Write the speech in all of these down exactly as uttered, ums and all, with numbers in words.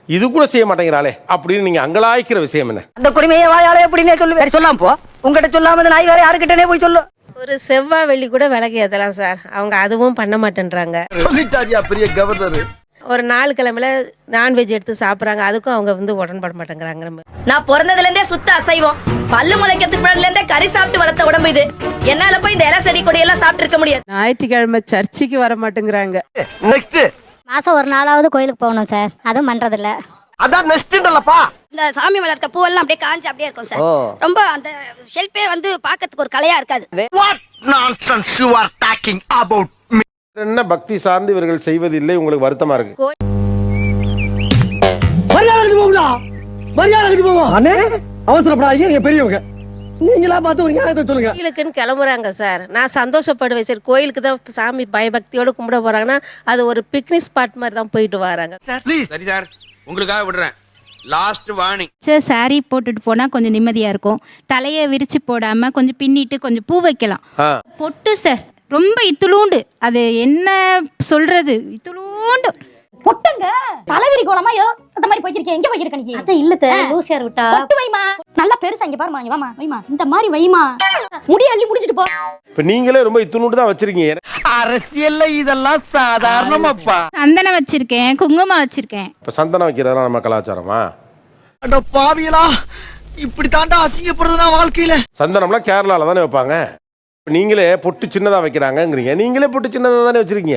இது கூட செய்ய மாட்டேங்கிறாளே அப்படின்னு நீங்க அங்கலாய்க்கிற விஷயம் என்ன? அந்த குடிமையை வாயாலே எப்படின்னே சொல்லு, வேற சொல்லாம போ. உங்ககிட்ட சொல்லாம இந்த நாய் வேற யாருக்கிட்டனே போய் சொல்லு. ஒரு செவ்வாய் வெள்ளி கூட விலகி ஏத்தலாம் சார், அவங்க அதுவும் பண்ண மாட்டேன்றாங்க. சொல்லிட்டாரியா பெரிய கவர்னர். ஒரு நாலு கிழமையில நான்வெஜ் எடுத்து சாப்பிட்றாங்க, அதுக்கும் அவங்க வந்து உடன்பட மாட்டேங்கிறாங்க. நம்ம நான் பிறந்ததுல இருந்தே சுத்த அசைவம், பல்லு முளைக்கிறதுக்கு முன்னாடில இருந்தே கறி சாப்பிட்டு வளர்த்த உடம்பு இது. என்னால போய் இந்த இலை செடி கொடி எல்லாம் சாப்பிட்டு இருக்க முடியாது. ஞாயிற்றுக்கிழமை சர்ச்சுக்கு வர மாட்டேங்கிறாங்க. நெக்ஸ்ட் மாசம் ஒரு நாளாவது கோயிலுக்கு போகணும் சார், அதுவும் பண்றது இல்ல. அதான் நெக்ஸ்ட்ன்றலப்பா. இந்த சாமி வளர்த்த பூவெல்லாம் அப்படியே காஞ்சி அப்படியே இருக்கும் சார். ரொம்ப அந்த ஷெல்பே வந்து பார்க்கிறதுக்கு ஒரு கலையா இருக்காது. What nonsense you are talking about me? என்ன பக்தி சார்ந்து இவர்கள் செய்வதில்லை, உங்களுக்கு வருத்தமா இருக்கு? மரியாதை போகுதா, மரியாதை போவோம். அண்ணே அவசரப்படாதீங்க, நீங்க பெரியவங்க, நீங்களா பார்த்து ஒரு நியாயத்தை சொல்லுங்க. கோயிலுக்குன்னு கிளம்புறாங்க சார், நான் சந்தோஷப்படுவேன். சரி கோயிலுக்கு தான் சாமி பயபக்தியோட கும்பிட போறாங்கன்னா அது ஒரு பிக்னிக் ஸ்பாட் மாதிரி தான் போயிட்டு வராங்க. சரி சார், உங்களுக்காக விடுறேன். லாஸ்ட் வார்னிங் சார், சாரி போட்டுட்டு போனா கொஞ்சம் நிம்மதியா இருக்கும். தலையை விரிச்சு போடாம கொஞ்சம் பின்னிட்டு கொஞ்சம் பூ வைக்கலாம். பொட்டு சார் ரொம்ப இத்துளூண்டு, அது என்ன சொல்றது, இத்துளூண்டு பொட்டுங்க தலைவிரி கோலமா யோ அந்த மாதிரி போய்க்கிருக்கேன். எங்க போய்க்கிருக்க நீ? அத இல்ல லூசியார் விட்டா பொட்டு வைமா, நல்லா பெருசா இங்க பாருமா, இங்க வாமா வைமா, இந்த மாதிரி வைமா, முடி அள்ளி முடிச்சிட்டு போ. இப்ப நீங்களே ரொம்ப இத்துணுட்டு தான் வச்சிருக்கீங்க. அரசியல்ல இதெல்லாம் சாதாரணமாப்பா. சந்தனம் வச்சிருக்கேன், குங்குமம் வச்சிருக்கேன். இப்ப சந்தனம் வைக்கிறதெல்லாம் நம்ம கலாச்சாரமா? அட பாவியலா, இப்படி தாண்டா அசிங்கப்படுறதுனா வாழ்க்கையில. சந்தனம்லாம் கேரளால தானே வைப்பாங்க. நீங்களே பொட்டு சின்னதா வைக்கிறாங்கங்கிறீங்க, நீங்களே பொட்டு சின்னதா தானே வச்சிருக்கீங்க.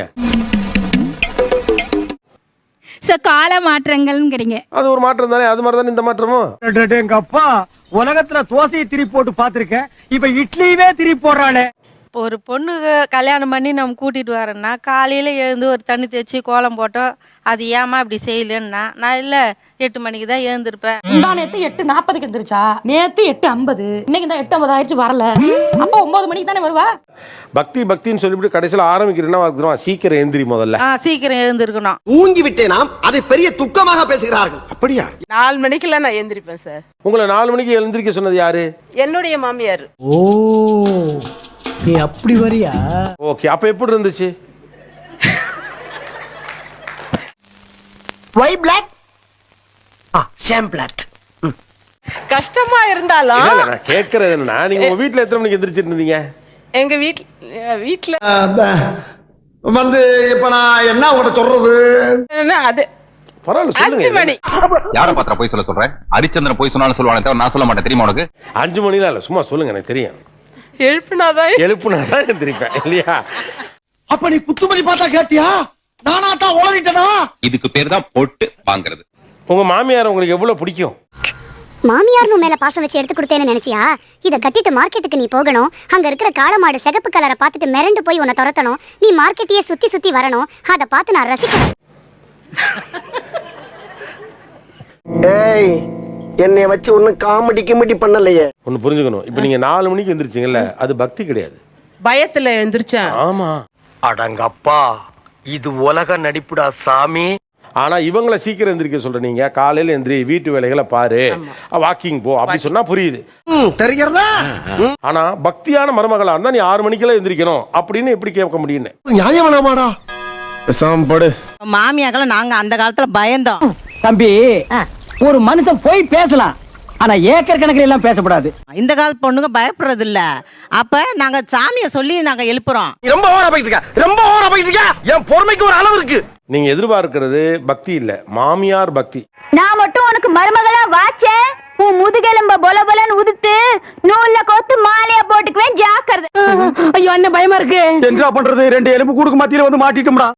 சார் கால மாற்றங்கள்ங்கிறீங்க, அது ஒரு மாற்றம் தானே, அது மாதிரி தானே இந்த மாற்றமும். எங்க அப்பா உலகத்துல தோசையை திருப்பி போட்டு பாத்திருக்கேன், இப்ப இட்லியவே திருப்பி போடுறானே. ஒரு பொண்ணுக்கு கல்யாணம் பண்ணி நம்ம கூட்டிட்டு வரோம்னா காலையில எழுந்து ஒரு தண்ணி தேய்ச்சி கோலம் போட்டோம், அது ஏமா இப்படி செய்யலன்னா நான் இல்ல எட்டு மணிக்கு தான் எழுந்திருப்பேன். முந்தா நேத்து எட்டு நாற்பதுக்கு எந்திரிச்சா, நேத்து எட்டு ஐம்பது, இன்னைக்கு தான் எட்டு ஐம்பது ஆயிடுச்சு வரல, அப்ப ஒன்பது மணிக்கு தானே வருவா. பக்தி பக்தின்னு சொல்லிவிட்டு கடைசியில் ஆரம்பிக்கிறேன்னா சீக்கிரம் எழுந்திரி முதல்ல. சீக்கிரம் எழுந்திருக்கணும். ஊங்கி விட்டேனாம், அதை பெரிய துக்கமாக பேசுகிறார்கள். அப்படியா? நாலு மணிக்கெல்லாம் நான் எழுந்திருப்பேன் சார். உங்களை நாலு மணிக்கு எழுந்திருக்க சொன்னது யாரு? என்னுடைய மாமியார். ஓ நீ அப்படி வரியா? ஓகே, அப்ப எப்படி இருந்துச்சு? Why black? ஆ சேம் பிளாட். கஷ்டமா இருந்தாலும் இல்ல, இல்ல, நான் கேட்கறது என்னன்னா, நீங்க உங்க வீட்ல எத்தனை மணிக்கு எந்திரிச்சிட்டு இருந்தீங்க? எங்க வீட்ல வீட்ல வந்து இப்ப நான் என்ன உங்கள்ட்ட சொல்றது? அது பரவாயில்ல அஞ்சு சொல்லுங்க. மணி. யார பாத்திர போய் சொல்ல சொல்றேன்? ஹரிச்சந்திரன் போய் சொன்னாலும் சொல்லுவானே தவிர நான் சொல்ல மாட்டேன், தெரியுமா உனக்கு? அஞ்சு மணிலாம் இல்ல, சும்மா சொல்லுங்க, எனக்கு தெரியும். எழுப்புனாதான் எழுப்புனாதான் எந்திரிப்பேன் இல்லையா? அப்ப நீ குத்துமதி பார்த்தா கேட்டியா? நானா தான் ஓடிட்டனா? இதுக்கு பேர் தான் பொட்டு வாங்குறது. உங்க மாமியார் உங்களுக்கு எவ்வளவு பிடிக்கும்? மாமியார் மேல பாசம் வச்சு எடுத்து கொடுத்தேன்னு நினைச்சியா? இத கட்டிட்டு மார்க்கெட்டுக்கு நீ போகணும், அங்க இருக்கிற காளை மாடு சிகப்பு கலரை பார்த்துட்டு மிரண்டு போய் உன்னை துரத்தணும், நீ மார்க்கெட்டையே சுத்தி சுத்தி வரணும், அதை பார்த்து நான் ரசிக்கணும். ஏய், என்னை வச்சு ஒன்னும் காமெடி கிமெடி பண்ணலையே. ஒன்னு புரிஞ்சுக்கணும், இப்ப நீங்க நாலு மணிக்கு எந்திரிச்சீங்கல்ல, அது பக்தி கிடையாது, பயத்துல எழுந்திருச்சேன். ஆமா. அடங்கப்பா, இது உலக நடிப்புடா சாமி. ஆனா இவங்களை சீக்கிரம் எந்திரிக்க சொல்ற நீங்க, காலையில எந்திரி, வீட்டு வேலைகளை பாரு, வாக்கிங் போ அப்படி சொன்னா புரியுது, தெரிகிறதா? ஆனா பக்தியான மருமகளா இருந்தா நீ ஆறு மணிக்கெல்லாம் எந்திரிக்கணும் அப்படின்னு எப்படி கேட்க முடியும்னு? நியாயம் வேணாமாடா? படு. மாமியாக்களை நாங்க அந்த காலத்துல பயந்தோம். தம்பி, ஒரு மனுஷன் போய் பேசலாம், ஆனா ஏக்கர் கணக்கில் எல்லாம் பேசக்கூடாது. இந்த கால பொண்ணுங்க பயப்படுறது இல்ல. அப்ப நாங்க சாமிய சொல்லி நாங்க எழுப்புறோம். ரொம்ப ஓவரா போயிட்டு இருக்க, ரொம்ப ஓவரா போயிட்டு இருக்க. என் பொறுமைக்கு ஒரு அளவு இருக்கு. நீங்க எதிர்பார்க்கிறது பக்தி இல்ல, மாமியார் பக்தி. நான் மட்டும் உனக்கு மருமகளா வாச்சேன், உன் முதுகெலும்ப பொல பொலன்னு உதுத்து நூல்ல கோத்து மாலையா போட்டுக்குவேன், ஜாக்கிரதை. ஐயோ என்ன பயமா இருக்கு. என்ன பண்றது, ரெண்டு எலும்பு கூடுக்கு மத்தியில வந்து மாட்டிட்டோம்டா.